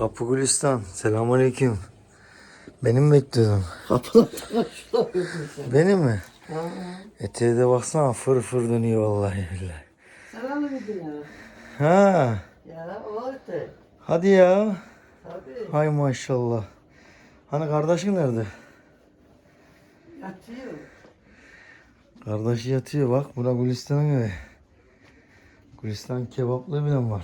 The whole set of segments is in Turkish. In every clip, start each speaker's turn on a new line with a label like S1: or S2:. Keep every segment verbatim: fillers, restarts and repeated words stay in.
S1: Kapı Gülistan. Selamünaleyküm. Benim mi bekliyordun?
S2: Kapılar şurada sen.
S1: Benim mi?
S2: Ha.
S1: Eteğe de baksana fır fır dönüyor vallahi billahi.
S2: Sen anlamadın ya.
S1: Ha,
S2: Ya o öte.
S1: hadi ya.
S2: Tabii.
S1: Hay maşallah. Hani kardeşin nerede?
S2: Yatıyor.
S1: Kardeşi yatıyor bak. Bura Gülistan'ın evi. Gülistan kebaplı bile var.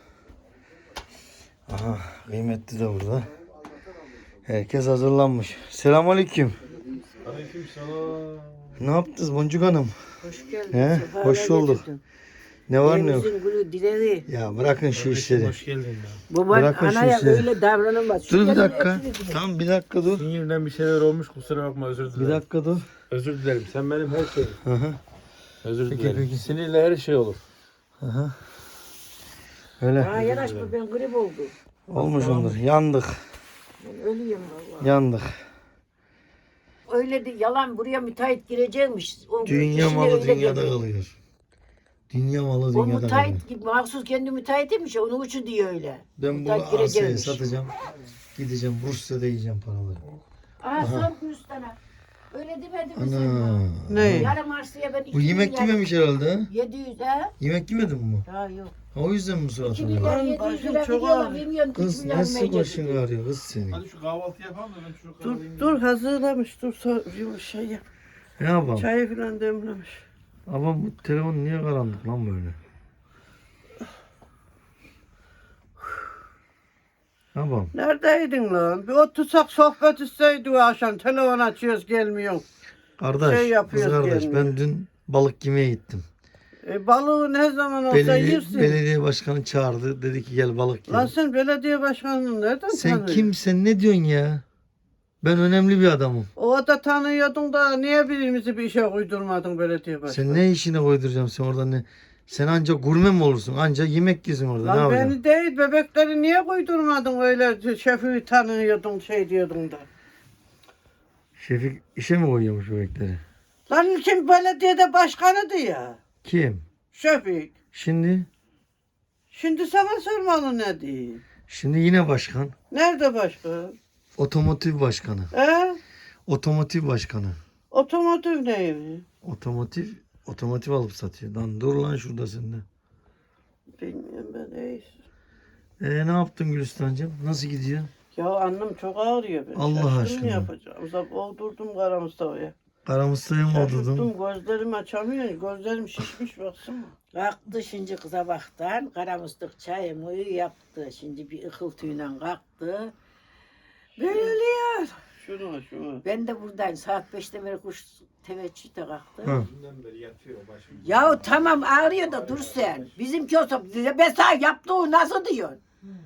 S1: Aha, kıymetli de burada. Herkes hazırlanmış. Selamünaleyküm.
S3: Aleykümselam.
S1: Ne yaptınız Boncuk Hanım?
S2: Hoş geldin.
S1: He,
S2: sefalar
S1: hoş bulduk.
S2: getirdin.
S1: Ne var ne yok?
S2: Evimizin gülü dileği.
S1: Ya bırakın şu işleri.
S3: Hoş geldin ya.
S2: Baban
S1: Bırakın şu
S2: anaya
S1: işleri.
S2: öyle davranamaz.
S1: Dur bir
S2: Şu
S1: dakika.
S2: gelin hepsini
S1: Tamam bir dakika dur.
S3: Sinirden bir şeyler olmuş, kusura bakma, özür dilerim.
S1: Bir dakika dur.
S3: Özür dilerim, sen benim her şeyim.
S1: Hı hı.
S3: Özür
S1: Peki,
S3: dilerim.
S1: peki.
S3: Sinirle her şey olur.
S1: Hı hı. Öyle.
S2: Ha yanaşma ben grip oldum.
S1: Olmuş ondur. Yandık.
S2: Ben ölüyorum vallahi.
S1: Yandık.
S2: Öyle de yalan buraya müteahhit girecekmiş. O
S1: Dünya
S2: işine
S1: malı
S2: öyle
S1: dünyada
S2: geliyor.
S1: kalıyor. Dünya malı
S2: O
S1: dünyada kalıyor.
S2: müteahhit gibi mahsus kendi müteahhitiymiş onun uçu diyor öyle.
S1: Ben bu
S2: Müteahhit
S1: arsayı
S2: girecekmiş.
S1: satacağım. Gideceğim Bursa'da yiyeceğim paraları.
S2: Aha sor Gülistan'a. Öyle demedi mi sen?
S1: Ana.
S2: Ne? Yarım arsaya ben iki
S1: Bu yemek
S2: milyar-
S1: yememiş herhalde ha?
S2: yedi yüz ha?
S1: Yemek yemedin mi?
S2: Ha yok.
S1: Ha, o yüzden mi surat
S2: iki
S1: oluyor?
S2: milyar yedi yüz lira veriyorlar. Bilmiyorum üç
S1: Kız
S2: milyar
S1: nasıl
S2: verecek.
S1: başın ağrıyor kız senin?
S3: Hadi şu kahvaltı yapalım da ben şu
S4: Dur
S3: kahveyi...
S4: dur hazırlamış dur so- şey yap.
S1: Ne yapalım?
S4: Çayı falan demlemiş.
S1: Ama bu telefon niye karanlık lan böyle? Ne yapalım?
S4: Neredeydin lan? Bir otursak sohbet isteydi o akşam. Telefon açıyoruz gelmiyor.
S1: Kardeş,
S4: Şey
S1: kız
S4: yapıyoruz
S1: kardeş
S4: gelmiyor.
S1: ben dün balık yemeye gittim.
S4: E, balığı ne zaman olsa
S1: Belediye,
S4: yersin.
S1: belediye başkanı çağırdı. Dedi ki gel balık
S4: Lan
S1: yiyelim.
S4: sen belediye başkanını nereden
S1: Sen
S4: tanıyorsun?
S1: kimsen ne diyorsun ya? Ben önemli bir adamım.
S4: O da tanıyordun da niye birimizi bir işe uydurmadın belediye başkanı?
S1: Sen ne işine koyduracağım sen orada ne? Sen ancak gurme mi olursun? Ancak yemek yiyorsun orada. ne
S4: Lan
S1: yapacaksın?
S4: beni değil bebekleri niye koydurmadın öyle şefi tanıyordun şey diyordun da.
S1: Şefik işe mi koyuyormuş bebekleri?
S4: Lan kim belediyede başkanıydı ya?
S1: Kim?
S4: Şefik.
S1: Şimdi?
S4: Şimdi sana sormalı ne diyeyim?
S1: Şimdi yine başkan.
S4: Nerede başkan?
S1: Otomotiv başkanı.
S4: He?
S1: Otomotiv başkanı.
S4: Otomotiv neymiş?
S1: Otomotiv otomotiv alıp satıyor. Lan dur lan şurada sen de.
S4: Bilmiyorum ben neyse.
S1: Ee, ne yaptın Gülistan'cığım? Nasıl gidiyor?
S4: Ya annem çok ağrıyor ben.
S1: Allah
S4: Şaştım
S1: aşkına.
S4: ne yapacağım? Uzak oldurdum Kara Mustafa'ya.
S1: Karamusta'ya mı odudun?
S4: Şaşırdım gözlerimi açamıyorum. Gözlerim şişmiş baksana.
S2: Kalktı şimdi kıza baktan. Karamıstık çayımı yaptı. Şimdi bir ıkıltıyla kalktı. Böyle oluyor.
S4: Şunu şunu.
S2: Ben de buradayım. Saat beşte beri kuş teveccühte kalktı.
S1: Hı.
S3: Dünden beri yatıyor başım.
S2: Ya tamam ağrıyor da dur sen. Bizimki olsa ben sana yaptığı nasıl diyorsun?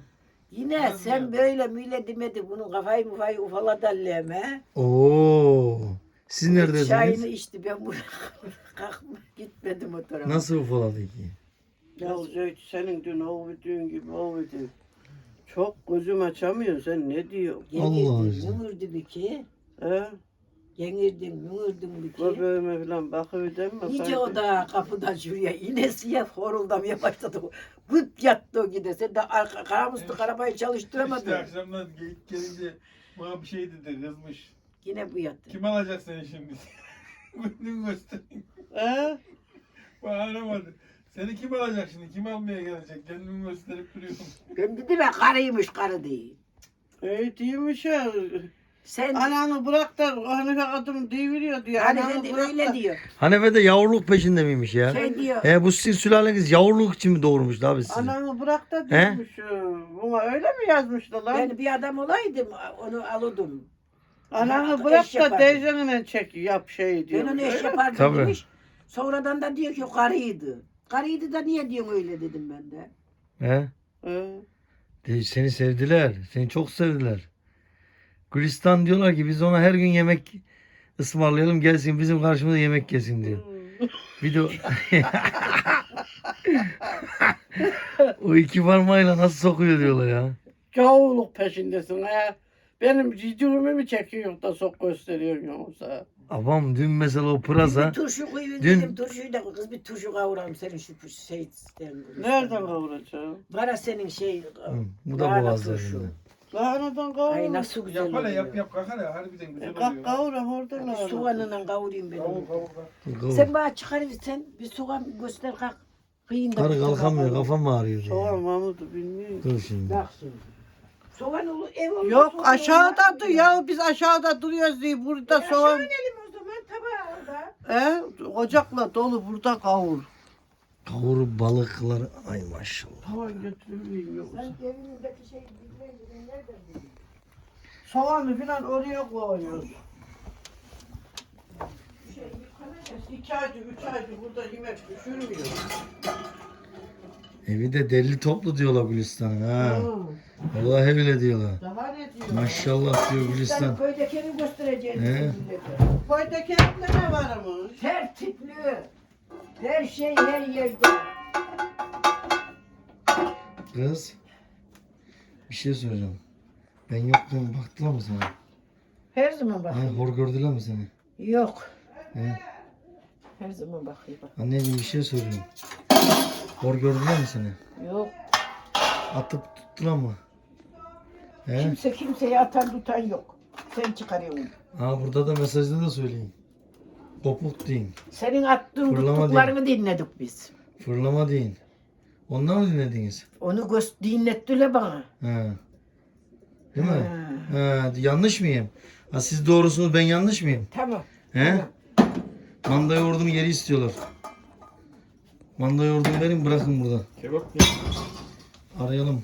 S2: Yine sen böyle müyle demedi bunun kafayı mufayı ufaladı alleme.
S1: Oo. Siz
S2: Çayını
S1: neredesiniz?
S2: içti ben buraya kalkma gitmedim o tarafa.
S1: Nasıl ufaladı ki?
S4: Ya Zeyt senin dün ovduğun gibi ovdu. Çok gözüm açamıyor. Sen ne diyorsun?
S1: Allah
S2: Yenirdim,
S1: aşkına.
S2: mümürdü bir ki.
S4: He?
S2: Yenirdim, mümürdüm bir ki.
S4: Göbeğime falan bakıverdin mi?
S2: İyice o da kapıdan şuraya inesiye horuldamaya başladı. Gıt yattı o gide. Sen de arka, karamıstık arabayı çalıştıramadın.
S3: İşte akşamdan geyik gelince bana bir şey dedi, kızmış.
S2: Yine bu yattı.
S3: Kim alacak seni şimdi? Gününü göstereyim.
S4: He?
S3: Bana aramadı. Seni kim alacak şimdi? Kim almaya gelecek? Kendimi gösterip duruyorum.
S2: Ben dedim ya karıymış karı değil.
S4: E değilmiş ya.
S2: Sen
S4: Ananı bırak da Hanife kadın deviriyor diyor.
S2: hani
S4: Ananı
S2: de
S4: bırak
S2: öyle
S4: da-
S2: diyor.
S1: Hanefe de yavruluk peşinde miymiş ya?
S2: Şey diyor.
S1: He bu sizin sülaleniz yavruluk için mi doğurmuş abi sizi?
S4: Ananı bırak da diyormuş. Buna öyle mi yazmışlar lan?
S2: Ben bir adam olaydım onu alırdım.
S4: Ananı
S2: Ya,
S4: bırak
S2: eş
S4: da
S2: yapardım.
S4: teyzenle çek yap şey diyor.
S2: Ben onu eş
S4: Öyle mi?
S2: yapardım
S1: Tabii.
S2: demiş. Sonradan da diyor ki o karıydı. Karıydı da niye diyorsun öyle dedim ben de.
S1: He?
S4: He.
S1: De- Seni sevdiler. Seni çok sevdiler. Gülistan diyorlar ki biz ona her gün yemek ısmarlayalım gelsin bizim karşımıza yemek yesin diyor. Bir de o- o iki parmağıyla nasıl sokuyor diyorlar ya.
S4: Gavurluk peşindesin ha. Benim cicimi mi çekiyor da sok gösteriyor yoksa?
S1: Abam dün mesela o
S2: Bir
S1: pıraza
S2: turşu koyun
S1: Dün-
S2: dedim. Turşuyu da kız bir turşu kavuralım senin şu şey.
S4: Nereden kavuracağım?
S2: Kara senin şey.
S1: Hı, bu da
S2: lahana
S1: boğazda
S2: turşu.
S1: elinde.
S4: Lahanadan kavur.
S2: Ay nasıl güzel
S3: Yap hele
S2: oluyor.
S3: yap yap kalk hele harbiden güzel
S4: E, kalk
S3: oluyor.
S4: kavur orada lahana.
S2: Soğanla kavurayım ben
S3: Kavur
S2: onu.
S3: kavur kavur.
S1: Kavur.
S2: Sen bana çıkarırsan bir soğan göster kalk. Kıyın da
S1: Karı
S2: bir
S1: kalkamıyor,
S2: soğan.
S1: kafam ağrıyor diye.
S4: Soğan Mahmut'u bilmiyor.
S1: Dur şimdi.
S2: Bak şimdi. Soğan olur, ev olur.
S4: Yok
S2: soğan
S4: aşağıda
S2: olmaz
S4: dur
S2: mı
S4: ya biz aşağıda duruyoruz diye burada
S2: E,
S4: soğan.
S2: aşağı inelim o zaman tabağa orada.
S4: He ocakla dolu burada kavur.
S1: Kavur balıklar. Ay maşallah.
S4: Soğan götürmeyeyim yoksa.
S2: Sen evinizdeki şey bilmeyin nereden bileyim?
S4: Soğanı falan oraya koyuyoruz. İki aydır, üç aydır burada yemek pişirmiyor.
S1: Evi de deli toplu diyorlar Gülistan'ın ha.
S4: Hı.
S1: Vallahi öyle diyorlar.
S4: Daha ne diyor?
S1: Maşallah diyor
S2: Sen
S1: Gülistan.
S2: köydekini göstereceğiz.
S1: He.
S2: millete.
S4: Koydaki evde ne var ama?
S2: Tertipli. Her şey her yerde.
S1: Kız. Bir şey soracağım. Ben yokken baktılar mı sana?
S2: Her zaman
S1: Ha,
S2: bakayım.
S1: hor gördüler mi seni?
S2: Yok.
S1: He?
S2: Her zaman bakayım.
S1: Anneciğim bir şey soruyorum. Hor gördüler mi seni?
S2: Yok.
S1: Atıp tuttular mı? He?
S2: Kimse kimseye atan tutan yok. Sen çıkarıyorsun.
S1: Ha burada da mesajda da söyleyin. Kopuk deyin.
S2: Senin attığın
S1: Fırlama
S2: tuttuklarını dinledik biz.
S1: Fırlama deyin. Ondan mı dinlediniz?
S2: Onu göz dinlettiler bana.
S1: Ha. Değil mi?
S2: Ha.
S1: Ha, yanlış mıyım? Ha, siz doğrusunuz, ben yanlış mıyım?
S2: Tamam.
S1: He? Manda yoğurdumu geri istiyorlar. Manda yoğurdumu verin, bırakın burada.
S3: Kebap
S1: Arayalım.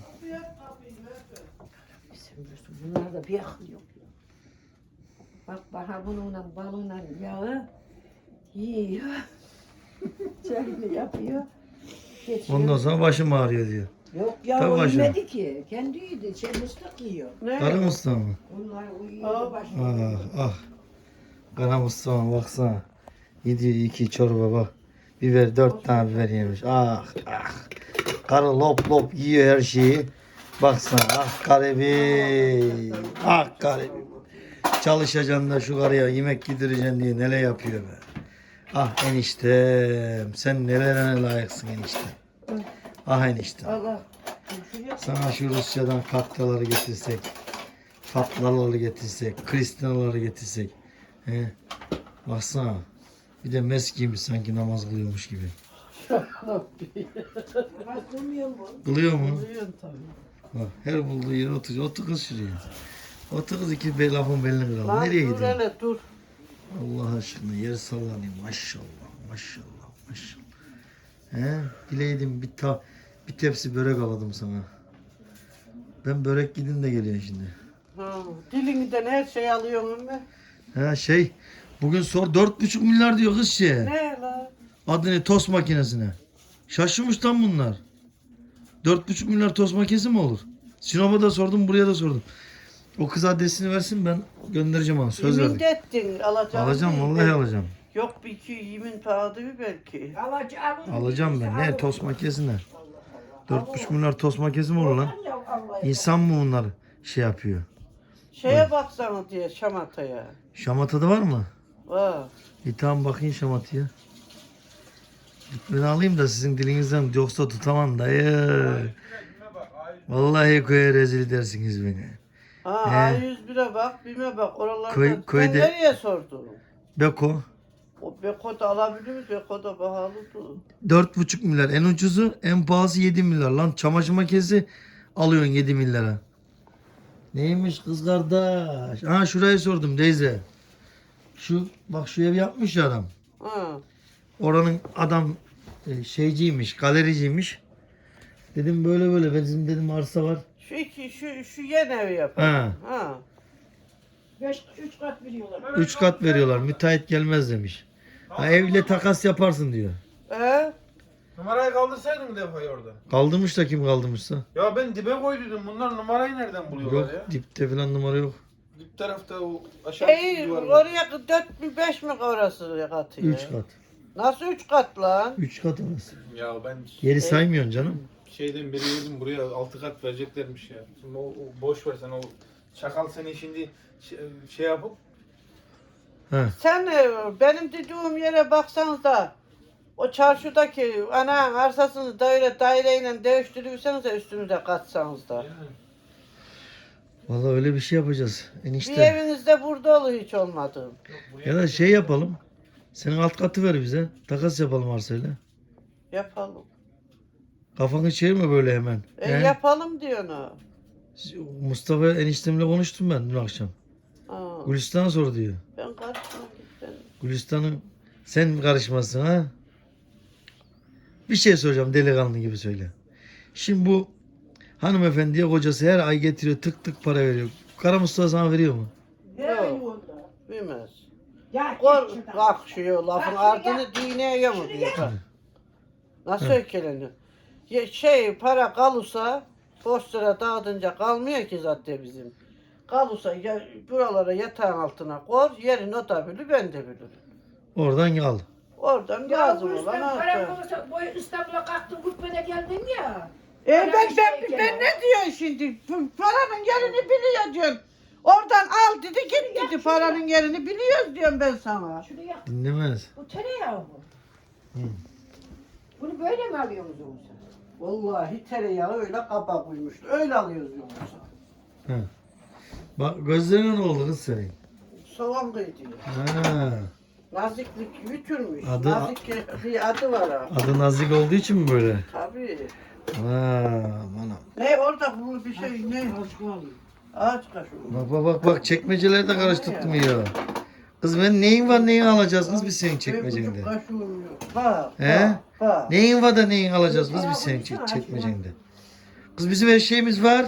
S2: Bunlarda bir akıl yok. Bak bana bununla balığıyla yağı yiyor. Çayını yapıyor. Geçiyor.
S1: Ondan sonra başım ağrıyor diyor.
S2: Yok ya
S1: Tabii
S2: o
S1: başına.
S2: yemedi ki. Kendi yedi. Şey mıstık yiyor.
S4: Ne?
S1: Karı Mustafa mı?
S2: Onlar
S4: Aa,
S2: uyuyor başına.
S1: Ah ah. Kara Mustafa baksana. Yediyor iki çorba bak. Biber, dört tane biber yemiş. Ah ah. Karı lop lop yiyor her şeyi. Baksana ah garibi. Ah garibi. Çalışacaksın da şu karıya yemek yedireceksin diye neler yapıyor be. Ah eniştem. Sen nelere layıksın eniştem. Ah eniştem.
S4: Allah.
S1: Sana şu Rusya'dan katlaları getirsek. Fatlaları getirsek. Kristinaları getirsek. He. Baksana. Bir de mes giymiş sanki namaz kılıyormuş gibi.
S2: Bak durmuyor mu?
S1: Kılıyor mu?
S4: Duyuyorsun tabii.
S1: Bak, her bulduğu yere oturuyor. Otur kız şuraya. Otur kız iki be lafın belini kıralım.
S4: Lan
S1: Nereye
S4: dur
S1: gidiyorsun?
S4: hele dur.
S1: Allah aşkına yer sallanıyor. Maşallah. Maşallah. Maşallah. He? Bileydim bir ta bir tepsi börek aladım sana. Ben börek gidin de geliyor şimdi.
S4: Ha, dilinden her şey alıyorum ben.
S1: Ha şey bugün sor dört buçuk milyar diyor kız şey.
S4: Ne la?
S1: Adı ne tost makinesine. Şaşırmış lan bunlar. Dört buçuk milyar tost makinesi mi olur? Sinop'a da sordum, buraya da sordum. O kız adresini versin, ben göndereceğim ona. Söz
S4: Yemin
S1: verdik.
S4: ettin alacağım.
S1: Alacağım,
S4: değil
S1: vallahi
S4: mi?
S1: alacağım.
S4: Yok bir iki yemin pahalı bir belki.
S2: Alacağım.
S1: Alacağım ben. Ne tost makinesine? Dört buçuk milyar tost makinesi mi olur lan? İnsan mı bunlar şey yapıyor?
S4: Şeye baksana diye şamataya.
S1: Şamatada var mı?
S4: Var.
S1: Bir tamam bakayım şamataya. Ben alayım da sizin dilinizden yoksa tutamam dayı. Vallahi koya rezil edersiniz beni.
S4: Ha
S1: He.
S4: A yüz bire bak, bime bak. Oralarda
S1: Köy-
S4: sen
S1: köyde-
S4: nereye sordun?
S1: Beko.
S4: O Beko da alabilir miyiz? Beko da pahalıdır.
S1: Dört buçuk milyar. En ucuzu, en pahalısı yedi milyar. Lan çamaşır makinesi alıyorsun yedi milyara. Neymiş kız kardeş? Ha şurayı sordum teyze. Şu bak şu ev yapmış ya adam.
S4: Ha.
S1: Oranın adam e, şeyciymiş, galericiymiş. Dedim böyle böyle bizim dedim arsa var.
S4: Şu iki, şu, şu yeni evi yapalım.
S1: Ha.
S4: Ha.
S2: Beş, üç kat veriyorlar.
S1: Üç kat veriyorlar. Müteahhit gelmez demiş. Ha, evle takas yaparsın diyor.
S4: He?
S3: Numarayı kaldırsaydın mı defayı orada?
S1: Kaldırmış da kim kaldırmışsa.
S3: Ya ben dibe koyduydum. Bunlar numarayı nereden buluyorlar
S1: Yok
S3: ya?
S1: dipte falan numara yok.
S3: Dip tarafta o aşağı
S4: Şey,
S3: duvar var.
S4: oraya dört mü beş mi orası katı ya?
S1: Üç kat.
S4: Nasıl üç kat lan?
S1: Üç kat orası.
S3: Ya ben
S1: Geri saymıyorsun canım.
S3: şeyden beri yedim buraya altı kat vereceklermiş ya. Şimdi o, o boş ver sen o çakal seni şimdi şey, şey yapıp
S1: Ha.
S4: Sen e, benim dediğim yere baksanız da o çarşıdaki ana arsasını daire daireyle değiştirirseniz de üstünüze katsanız da.
S3: yani.
S1: Vallahi öyle bir şey yapacağız
S4: Bir
S1: enişte.
S4: evinizde burada olur hiç olmadı.
S1: Ya da şey yapalım. Senin alt katı ver bize. Takas yapalım arsayla.
S4: Yapalım.
S1: Kafanı çevirme böyle hemen.
S4: E
S1: He?
S4: yapalım diyor ona.
S1: Mustafa eniştemle konuştum ben dün akşam.
S4: Aa,
S1: Gülistan'a sor diyor.
S4: ben karışmam ben.
S1: Gülistan'ın sen karışmasın ha. Bir şey soracağım delikanlı gibi söyle. Şimdi bu hanımefendiye kocası her ay getiriyor tık tık para veriyor. Kara Mustafa sana veriyor mu?
S4: Yok. Bilmez.
S2: Ya
S4: Kor
S2: git şuradan.
S4: kalkışıyor lafın
S2: Bak
S4: ardını dineye mi diyor bak. Nasıl ökeleniyor? Ya şey para kalırsa boş lira dağıtınca kalmıyor ki zaten bizim. Kalırsa ya, buralara yatağın altına koy yerin o da bilir ben de bilirim.
S1: Oradan al.
S4: Oradan
S2: Ya
S4: lazım
S2: bu
S4: olan
S2: İstanbul, param
S4: alacak.
S2: olursa boy İstanbul'a kalktın Gutmen'e geldin ya.
S4: E ben,
S2: Param
S4: ben,
S2: işteyken
S4: ben
S2: o.
S4: ne diyorsun şimdi? Paranın yerini biliyor diyorsun. Oradan al dedi git dedi paranın yerini biliyoruz diyorum ben sana.
S2: Şunu yak.
S1: Dinlemez.
S2: Bu tereyağı bu.
S1: Hı.
S2: Bunu böyle mi alıyorsunuz yoksa?
S4: Vallahi tereyağı öyle kaba koymuştu. Öyle alıyoruz yoksa.
S1: Ha. Bak gözlerine ne oldu kız senin?
S4: Soğan kıydı.
S1: Ha.
S4: Naziklik yutulmuş.
S1: Adı-
S4: Nazik bir adı var ha.
S1: Adı nazik olduğu için mi böyle?
S4: Tabii.
S1: Ha, bana.
S4: Ne orada bu bir şey ne? Ağaç kaşığı.
S1: Bak bak bak bak çekmeceleri de karıştırdım ya. Kız ben neyin var neyin alacağız kız biz senin çekmecende.
S4: Benim kaşığım yok. Bak,
S1: He?
S4: bak, bak.
S1: Neyin var da neyin alacağız kız biz senin çek- çekmecende. Kız bizim her şeyimiz var.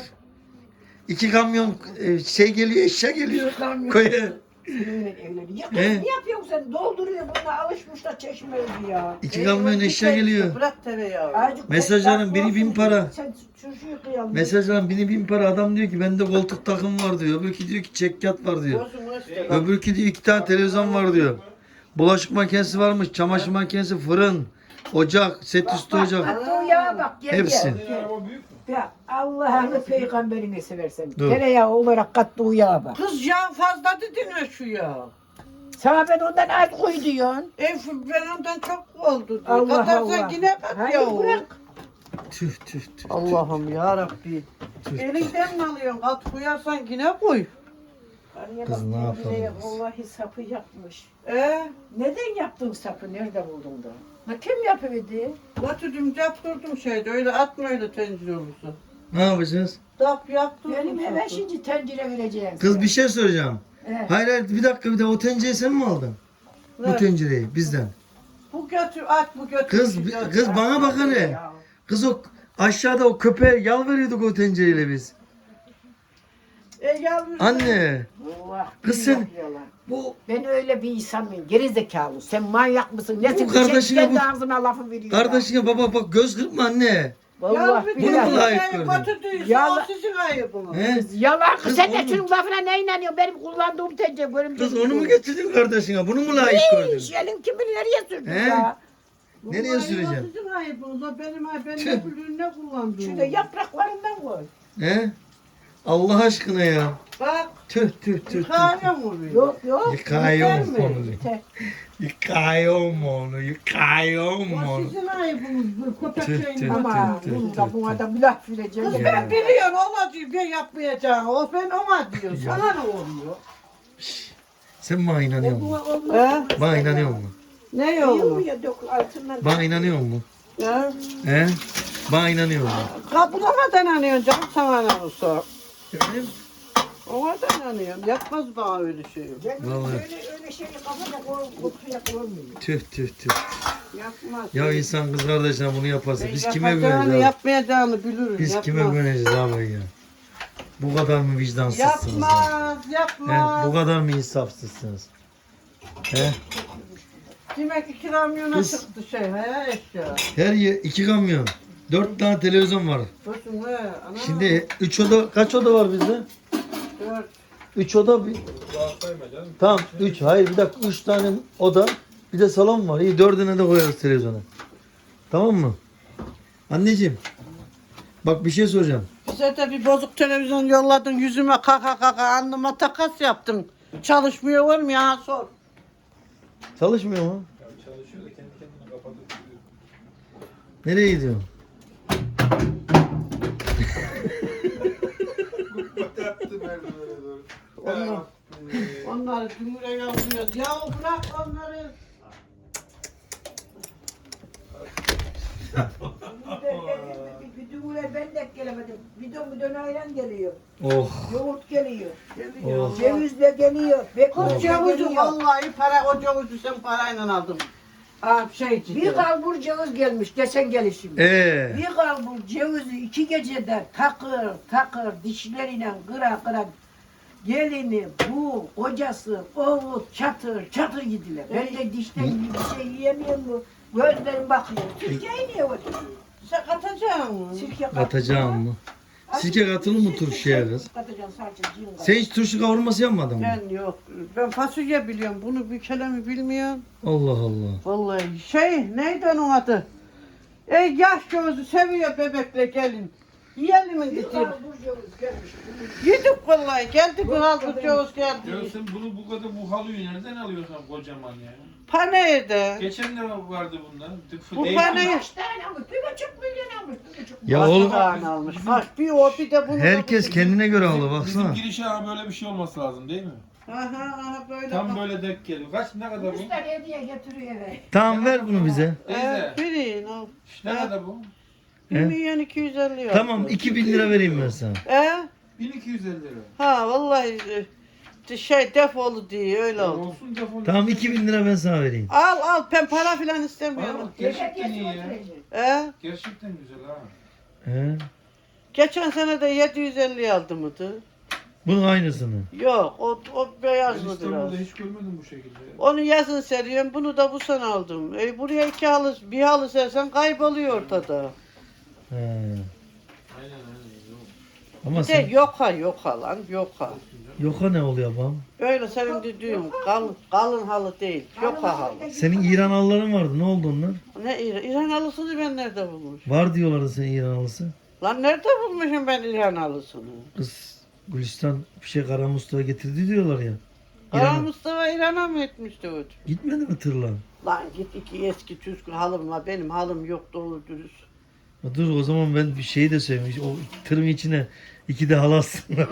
S1: İki kamyon e, şey geliyor eşya geliyor. Koya.
S2: Seninle evleniyor. Ya kız
S1: He?
S2: ne yapıyorsun sen? Dolduruyor bununla alışmışlar çeşme öldü ya.
S1: İki kamyon eşya geliyor.
S4: Bırak tereyağı.
S2: Azıcık
S1: Mesajların
S2: bak,
S1: biri
S2: bak,
S1: bin para.
S2: Sen çocuğu kıyalım.
S1: Mesajların bini bin para adam diyor ki bende koltuk takım var diyor. Öbürkü diyor ki çekyat var diyor.
S4: Bozun işte.
S1: Öbürkü diyor iki tane televizyon var diyor. Bulaşık makinesi varmış, çamaşır makinesi, fırın, ocak, set üstü ocak.
S2: Hatta o yağa bak gel
S1: Hepsi.
S2: gel.
S3: Araba büyük mü?
S2: Ya Allah'ını peygamberini seversen.
S1: Dur.
S2: Tereyağı olarak kattığı yağa bak.
S4: Kız yağ fazla dedin mi şu yağ?
S2: Sana ben ondan az koy diyorsun.
S4: E ben ondan çok oldu diyor.
S2: Allah
S4: Katarsan
S2: Allah.
S4: yine kat
S2: Hayır
S4: yağı.
S2: bırak.
S1: Tüh tüh tüh.
S4: Allah'ım ya Rabbi.
S1: tüh.
S4: Elinden mi alıyorsun? Kat koyarsan yine koy.
S1: Kız ne yapalım biz?
S2: Vallahi sapı yapmış.
S4: E
S2: Neden yaptın sapı? Nerede buldun da? Ha kim yapıverdi?
S4: Latüdüm yaptırdım şeyde öyle atma öyle tencere olursa.
S1: Ne yapacağız?
S4: Dap yaptırdım.
S2: Benim hemen
S4: sapı.
S2: şimdi tencere vereceğim.
S1: Kız
S2: sana.
S1: bir şey soracağım.
S2: Evet.
S1: Hayır hayır bir dakika bir de o tencereyi sen mi aldın? Bu
S4: Ne?
S1: tencereyi bizden.
S4: Bu götür at bu götür.
S1: Kız
S4: şu götür.
S1: kız bana bak hele. Kız o aşağıda o köpeğe yal veriyorduk o tencereyle biz.
S4: E yavrum.
S1: Anne
S2: Allah
S1: Kız
S2: billah
S1: sen-
S2: yalan.
S1: bu
S2: Ben öyle bir insan mıyım? Geri zekalı. Sen manyak mısın? Nesin?
S1: Bu kardeşine
S2: Kendi
S1: bu-
S2: ağzına lafı veriyor.
S1: kardeşine baba bak göz kırpma anne.
S2: Vallahi
S1: Bunu
S2: billahi.
S1: mu layık gördün?
S4: Götürdüyse
S2: Yalan.
S4: o sizin ayıbınız.
S1: He?
S2: Yalan.
S1: Kız
S2: Sen de
S1: onu-
S2: şunun lafına ne inanıyorsun? Benim kullandığım tencere bölüm
S1: Kız onu mu getirdin kardeşine? Bunu mu layık gördün?
S2: Hiç elin kimi nereye sürdün
S1: He?
S2: ya?
S1: Nereye süreceğim?
S4: O sizin ayıbınız. O benim ayıbım. Ben
S1: Tüh.
S4: ne bileyim ne kullandım.
S2: Şurada yapraklarından koy.
S1: He? Allah aşkına ya.
S4: Bak.
S1: Tüh tüh tüh tüh.
S4: Yıkayım onu.
S2: Yok yok.
S1: Yıkayım
S4: Yeter mi?
S1: onu.
S2: Yeter.
S1: Yıkayım onu. Yıkayım
S4: O
S1: onu.
S4: sizin ayıbınız. Bu köpek
S1: Tüh,
S4: şeyin.
S1: tüh.
S2: Ama
S1: tüh,
S2: bunu
S1: tüh,
S2: da
S1: tüh,
S2: buna
S1: tüh.
S2: da bir laf vereceğim.
S4: Kız
S1: Ya.
S4: ben biliyorum ona diyor ben yapmayacağım. O ben ona diyor.
S1: Ya.
S4: Sana ne oluyor?
S1: Sen bana inanıyor musun?
S4: He?
S1: Bana inanıyor musun?
S4: Ne
S2: Yok
S4: yolu?
S2: ya dök altından.
S1: Bana inanıyor musun?
S4: He?
S1: He? Bana inanıyor musun?
S4: Kapılamadan anıyorsun canım sana ne olsa.
S1: Efendim?
S4: Ona da inanıyorum. Yapmaz bana öyle şey.
S2: Ben
S1: Vallahi.
S2: öyle öyle şeyi kafada kokuya koymuyor.
S1: Tüh tüh tüh.
S4: Yapmaz.
S1: Ya insan kız kardeşine bunu yaparsa
S4: Ben
S1: biz kime
S4: yapacağını,
S1: güveneceğiz abi?
S4: yapmayacağını bilirim.
S1: Biz
S4: yapmaz.
S1: kime güveneceğiz abi ya? Bu kadar mı vicdansızsınız? ya?
S4: Yapmaz,
S1: He?
S4: yapmaz.
S1: Bu kadar mı insafsızsınız? He?
S4: Demek iki kamyona
S1: Kız-
S4: çıktı şey he eşya.
S1: Her yer iki kamyon. Dört tane televizyon var.
S4: Bakın he. Ana.
S1: Şimdi üç oda kaç oda var bizde?
S4: Dört.
S1: Üç oda bir...
S3: Rahat koyma canım.
S1: Tamam üç. Hayır bir dakika üç tane oda. Bir de salon var. İyi dördüne de koyarız televizyona. Tamam mı? Anneciğim. Bak bir şey soracağım.
S4: Bize de bir bozuk televizyon yolladın yüzüme kaka kaka alnıma takas yaptın. Çalışmıyor var mı ya sor.
S1: Çalışmıyor mu?
S3: Ya çalışıyor da kendi kendine kapatıp duruyor.
S1: Nereye gidiyorsun?
S3: Yaptı böyle.
S4: Onlar, onları dümüre yavruyoruz. Ya bırak onları.
S2: Bir dümüre ben de gelemedim. Bidon bidon ayran geliyor.
S1: Oh.
S2: Yoğurt geliyor.
S1: Oh.
S2: Cevizle geliyor.
S4: O
S2: Bekmezle
S4: cevizi
S2: geliyor.
S4: vallahi para, o cevizi sen parayla aldım. Aa, şey
S2: Bir kalbur ceviz gelmiş geçen gelişim.
S1: Ee.
S2: Bir kalbur cevizi iki gecede takır takır dişleriyle kıra kıra gelini, bu, kocası, oğlu çatır çatır gidiler. Ben de dişten gibi bir şey yiyemiyorum bu. Gözlerim bakıyor. Sirkeyi niye öyle?
S4: Sen katacaksın mı?
S2: Sirke
S1: Katacağım mı? Sirke katılır mı turşuya kız?
S2: Katacaksın sadece cin
S1: Sen hiç turşu kavurması yapmadın mı?
S4: Ben yok. Ben fasulye biliyorum. Bunu bir kelime bilmiyorum.
S1: Allah Allah.
S4: Vallahi şey neydi onun adı? Ey yaş gözü seviyor bebekle gelin. Yiyelim mi
S2: Bir
S4: gideyim?
S2: kalbur ceviz gelmiş.
S4: Yedik vallahi. Geldi bir halkı ceviz
S3: Ya
S4: geldi.
S3: sen bunu bu kadar bu halıyı nereden alıyorsun kocaman ya?
S4: Paneyde.
S3: Geçen de vardı bundan.
S4: Bu
S3: Değil-
S4: paneyi
S2: Kaç tane almış? Bir buçuk milyon almış. Bir buçuk
S1: Ya
S4: kaç
S1: oğlum
S4: tane almış. Kaç bir o bir de bunu.
S1: herkes kendine göre alır
S3: Bizim
S1: baksana.
S3: girişe ha böyle bir şey olması lazım değil mi?
S4: Aha aha böyle.
S3: Tam
S4: bak.
S3: böyle denk geliyor. Kaç ne kadar bu?
S2: Yüz tane hediye getiriyor eve.
S1: Tamam ver bunu bize.
S3: Teyze.
S4: Ee, verin al.
S3: Ne kadar bu?
S4: Bir
S1: He?
S4: milyon iki yüz elli yok.
S1: Tamam iki bin lira vereyim ben sana.
S4: Ee?
S3: bin iki yüz elli lira.
S4: Ha vallahi e, şey defolu diye öyle
S3: Ya
S4: oldu.
S3: olsun defol.
S1: Tamam iki bin lira ben sana vereyim.
S4: Al al ben para filan
S3: Bana
S4: istemiyorum.
S3: bak, gerçekten iyi ya.
S4: Ee?
S3: Gerçekten güzel ha.
S1: He?
S4: Geçen sene de yedi yüz elli aldı mıydı?
S1: Bunun aynısını.
S4: Yok o, o
S3: Ben
S4: beyazlı biraz.
S3: İstanbul'da hiç görmedim bu şekilde. ya.
S4: Onu yazın seriyorum, bunu da bu sene aldım. E, buraya iki halı, bir halı sersen kayboluyor ortada.
S1: He.
S3: Aynen aynen. Yok.
S1: Ama
S4: Bir de
S1: sen
S4: yoka yoka lan yoka.
S1: yoka ne oluyor babam?
S4: Böyle senin dediğin kalın, kalın halı değil, yoka halı.
S1: Senin İran halıların vardı. Ne oldu onlar?
S4: Ne İran, İran halısını ben nerede bulmuşum?
S1: Var diyorlardı senin İran halısı.
S4: Lan nerede bulmuşum ben İran halısını?
S1: Kız Gülistan bir şey Kara Mustafa getirdi diyorlar ya.
S4: Kara
S1: İran'a.
S4: Mustafa İran'a mı etmişti o?
S1: Gitmedi mi tırla?
S4: Lan git iki eski Türk halım var, benim halım yok doğru dürüst.
S1: Ha, dur o zaman ben bir şey de söyleyeyim. O tırın içine iki de halı aslında.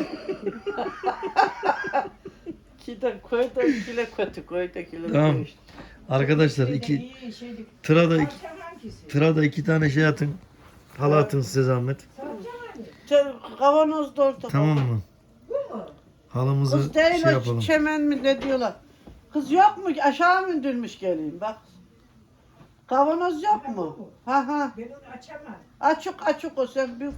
S4: İki de koyda ikile kötü, koyda ikile
S1: Tamam.
S4: kötü.
S1: Arkadaşlar iki
S2: İyi şeydik.
S1: tıra da iki,
S2: Saracağım hangisi?
S1: tıra da iki tane şey atın. Halı atın size zahmet.
S2: Saracağım hani.
S4: Sen kavanoz da orada.
S1: Tamam mı?
S2: Bu mu?
S1: Halımızı
S4: Kız değil
S1: şey
S4: o
S1: yapalım.
S4: çemen mi ne diyorlar. Kız yok mu? Aşağı mı indirmiş geleyim bak. Kavanoz yok mu? Ha ha.
S2: Ben onu açamam.
S4: Açık açık o sen bir.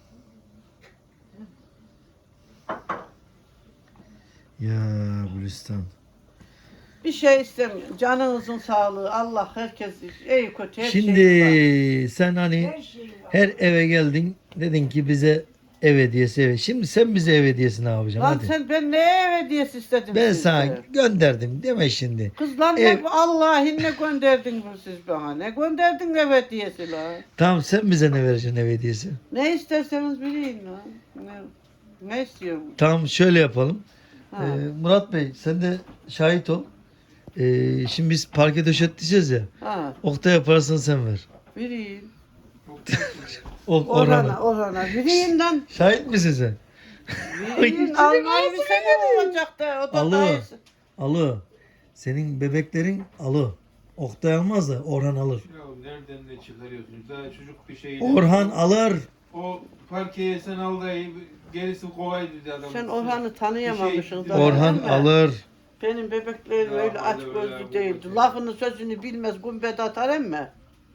S1: Ya Gülistan.
S4: Bir şey istemiyorum. Canınızın sağlığı. Allah herkes iyi kötü her
S1: Şimdi
S4: şey var.
S1: sen hani
S2: Her şey var.
S1: her eve geldin. Dedin ki bize ev hediyesi ev. Şimdi sen bize ev hediyesi ne yapacaksın?
S4: Lan
S1: Hadi.
S4: sen ben ne hediyesi istedim
S1: Ben
S4: sizden?
S1: sana gönderdim deme şimdi.
S4: Kız lan
S1: Ev-
S4: ne Allah'ın ne gönderdin bu siz bana? Ne gönderdin ev hediyesi lan?
S1: Tamam sen bize ne vereceksin ev hediyesi?
S4: Ne isterseniz bileyim lan. Ne, ne istiyorum?
S1: Tamam şöyle yapalım.
S4: Ha.
S1: Ee, Murat Bey sen de şahit ol. Ee, şimdi biz parke döşeteceğiz ya.
S4: Ha.
S1: Oktay'a parasını sen ver.
S4: Vereyim.
S1: O,
S4: Orana,
S1: Orhan'a.
S4: orana. Vereyim lan.
S1: Şahit misin sen?
S4: Vereyim. Almayı bir sene olacak da. O da
S1: Alı.
S4: dayısı.
S1: Alı. Senin bebeklerin alı. Oktay almaz da Orhan alır.
S3: Ya nereden ne çıkarıyorsunuz? Daha çocuk bir şey.
S1: Orhan alır.
S3: O parkeye sen al da gerisi kolay dedi adam.
S4: Sen Orhan'ı tanıyamamışsın.
S3: Bir şey-
S4: da,
S1: Orhan
S4: değil mi?
S1: alır.
S4: Benim bebeklerim
S3: Ya,
S4: öyle aç
S3: öyle,
S4: gözlü
S3: öyle,
S4: değildi.
S3: öyle.
S4: Lafını sözünü bilmez gumbet atar emme.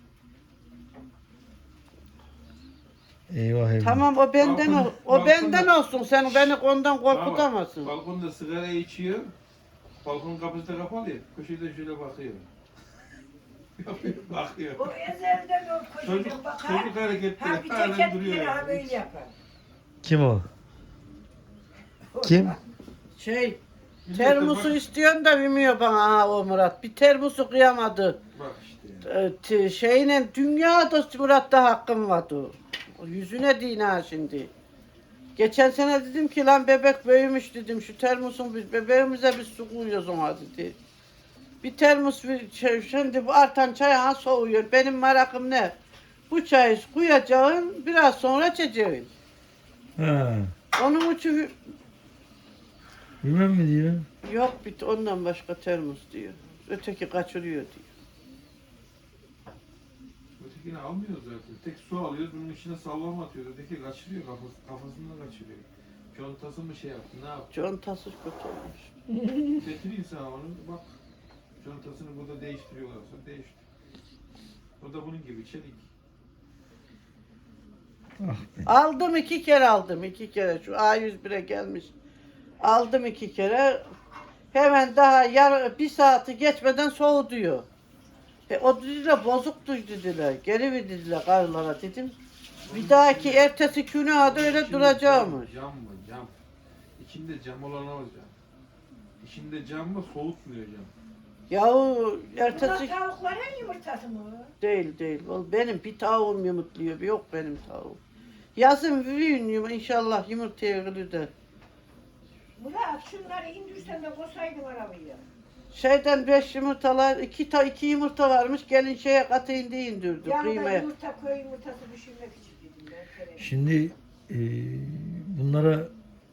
S1: Eyvah eyvah.
S4: Tamam o benden
S3: Balkon-
S4: ol, o
S3: balkonda-
S4: benden olsun. Sen beni ondan korkutamazsın.
S3: Balkonda sigara içiyor. Balkon kapısı da kapalı ya. Köşede şöyle bakıyor. bakıyor.
S2: O ezelden o
S3: Çocuk,
S2: koşuyor bakar.
S3: çocuk hareketleri
S2: Ha bir
S3: halen
S2: teket
S3: duruyor.
S2: bir ha
S3: yani.
S2: böyle yapar.
S1: Kim o? Kim?
S4: Şey,
S3: Millet de
S4: termosu
S3: bak-
S4: istiyorsun da bilmiyor bana ha o Murat. Bir termosu kıyamadı.
S3: Bak işte ya.
S4: Ee, t- şeyle dünyada Murat'ta hakkım vardı. O yüzüne din ha şimdi. Geçen sene dedim ki lan bebek büyümüş dedim. Şu termosun biz bebeğimize bir su koyuyoruz ona dedi. Bir termos bir şey, şimdi bu artan çay ha soğuyor. Benim merakım ne? Bu çayı koyacaksın biraz sonra içeceksin.
S1: Ha.
S4: Onun için
S1: Bilmem mi diyor.
S4: Yok bit ondan başka termos diyor. Öteki kaçırıyor diyor.
S3: Ötekini almıyoruz zaten. Tek su alıyoruz, bunun içine sallama atıyoruz. Öteki kaçırıyor, kafası, kafasından kaçırıyor. Contası mı şey yaptı, ne yaptı?
S4: Contası kötü olmuş.
S3: Getireyim sana onu, bak. Contasını burada değiştiriyorlarsa değiştir. O da bunun gibi çelik.
S1: Ah be.
S4: Aldım iki kere aldım iki kere. Şu A yüz bire gelmiş. Aldım iki kere. Hemen daha yar bir saati geçmeden soğuduyor. E, o dediler bozuktu dediler. Geri mi dediler karılara dedim. Bir dahaki ertesi güne de öyle
S3: İçinde
S4: duracağımış.
S3: Cam, cam mı? Cam. İçinde cam olan o cam. İçinde cam mı soğutmuyor cam.
S4: Yahu
S2: Bunlar
S4: ertesi
S2: tavukların yumurtası mı?
S4: değil değil. O benim bir tavuğum yumurtluyor. Yok benim tavuğum. Yazın büyüyün yum- inşallah yumurtaya ölür de.
S2: Murat şunları indirsen de koysaydın arabaya.
S4: Şeyden beş yumurtalar, iki, ta, iki yumurta varmış. Gelin şeye katı indi indirdi.
S2: Yanında
S4: Kıymaya.
S2: yumurta köy yumurtası pişirmek için dedim ben. Kerem.
S1: Şimdi e, bunlara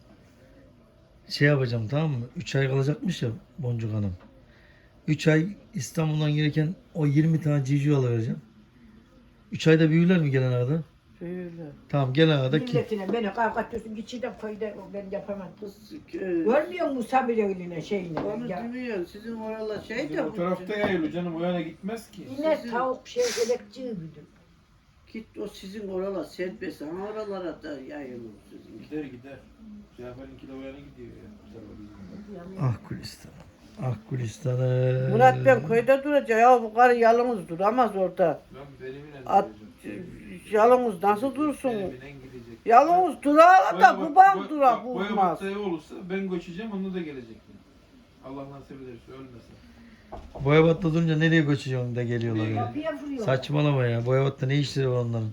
S1: şey yapacağım, tamam mı? üç ay kalacakmış ya Boncuk Hanım. üç ay İstanbul'dan gelirken o yirmi tane civciv alıvereceğim. üç ayda büyürler mi gelen arada?
S4: Böyle.
S1: Tamam, gelen arada ki.
S2: Milletine beni kavga ediyorsun. Geçiden köyde ben yapamam.
S4: Kız, e,
S2: Görmüyor musun Sabir eline şeyini?
S4: onu
S2: Ya,
S4: demiyor. Sizin oralar şey
S3: Bizim
S4: de
S3: o tarafta yayılıyor canım, o yana gitmez ki.
S2: yine
S4: Sizin-
S2: tavuk şey elekçiği büdüm.
S4: Git o sizin oralar serbest ama oralara da yayılır sizin.
S3: Gider gider. Cafer'inki de o yana gidiyor ya. Güzel o bizim.
S1: Ah Gülistan'ım. Ah Gülistan'ım.
S4: Murat ben köyde duracak ya bu karı yalnız duramaz orada.
S3: Ben benimle
S4: At,
S3: duracağım.
S4: yalnız nasıl dursun?
S3: Benimle gidecek.
S4: Yalnız durar da
S3: Boya-
S4: babam
S3: boya-
S4: durar
S3: bak, boya
S4: bulmaz.
S3: battaya olursa ben göçeceğim, onu da gelecek. Allah nasip ederse ölmesin.
S1: Boyabat'ta durunca nereye göçeceğim da geliyorlar ya.
S2: Kapıya vuruyor.
S1: Saçmalama ya. Boyabat'ta ne işleri var onların?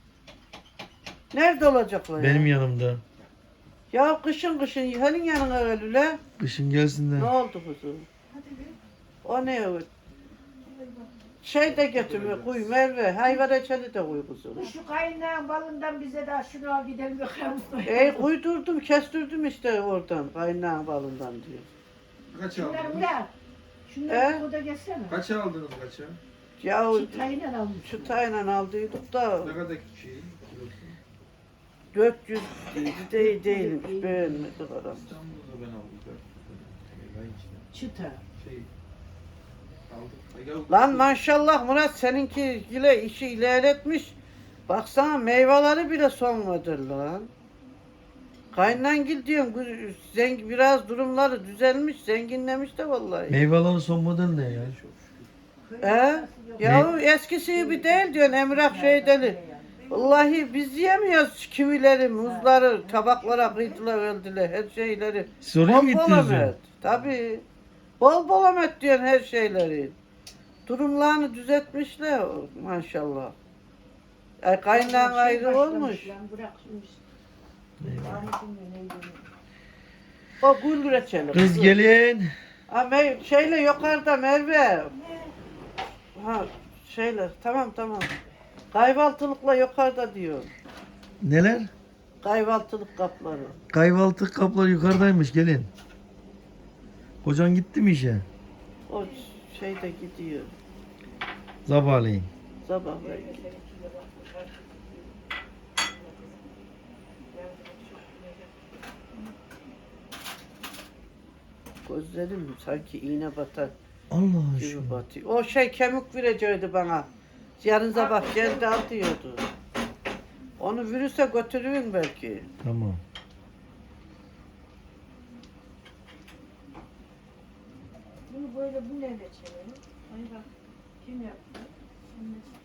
S4: Nerede olacaklar ya?
S1: Benim yanımda.
S4: Ya kışın kışın senin yanına öyle.
S1: Kışın gelsin de.
S4: Ne oldu kuzum? O ne o? Şey de getirme, kuy Merve, hayvan reçeli de kuy kuzum.
S2: Şu kaynağın balından bize de şunu al gidelim bakalım.
S4: Ey kuydurdum, kestirdim işte oradan, kaynağın balından diyor.
S3: Kaç
S2: Şunları
S3: aldınız?
S2: Murat. Şunları
S4: He?
S2: burada geçsene.
S3: Kaç aldınız kaça?
S4: Ya
S2: Şu tayla almış.
S4: şu tayla aldıydık da
S3: Ne kadar şey? Kilosu?
S4: dört yüz değil, değilmiş, beğenmedik adam.
S3: İstanbul'da ben aldım. Ben işte
S2: Çıta.
S3: şey aldık.
S4: Lan maşallah Murat seninki ile işi ilerletmiş. Baksana meyveleri bile sonmadır lan. Kaynangil diyorum zengin biraz durumları düzelmiş, zenginlemiş de vallahi.
S1: Meyvelerin son model ne ya?
S4: He? Ya eskisi gibi değil diyorsun Emrah şey deli. Vallahi biz yiyemiyoruz kivileri, muzları, tabaklara kıydılar öldüler her şeyleri.
S1: Siz oraya mı
S4: Bol bol
S1: gittiniz ya?
S4: emet. Tabii. Bol bol emet diyorsun her şeyleri. Durumlarını düzeltmişler maşallah. Ay kaynağın
S2: Şey
S4: ayrı
S2: başlamış
S4: olmuş.
S2: lan, bırakmış.
S1: Eyvah.
S2: Ahmet'in de neydi?
S4: O gül reçeli.
S1: Kız gelin.
S4: Ama şeyle yukarıda Merve. Ha şeyle tamam tamam. Kahvaltılıkla yukarıda diyor.
S1: Neler?
S4: Kahvaltılık kapları.
S1: Kahvaltı kapları yukarıdaymış, gelin. Kocan gitti mi işe?
S4: O şeyde gidiyor.
S1: Sabahleyin.
S4: Sabah belki. Gözlerim sanki iğne batar
S1: Allah
S4: gibi
S1: aşkına.
S4: batıyor. O şey kemik verecekti bana. Yarın sabah geldi al diyordu. Onu virüse götürürüm belki.
S1: Tamam.
S2: Bunu böyle bu ne reçeli? Ay bak kim yaptı? Şimdi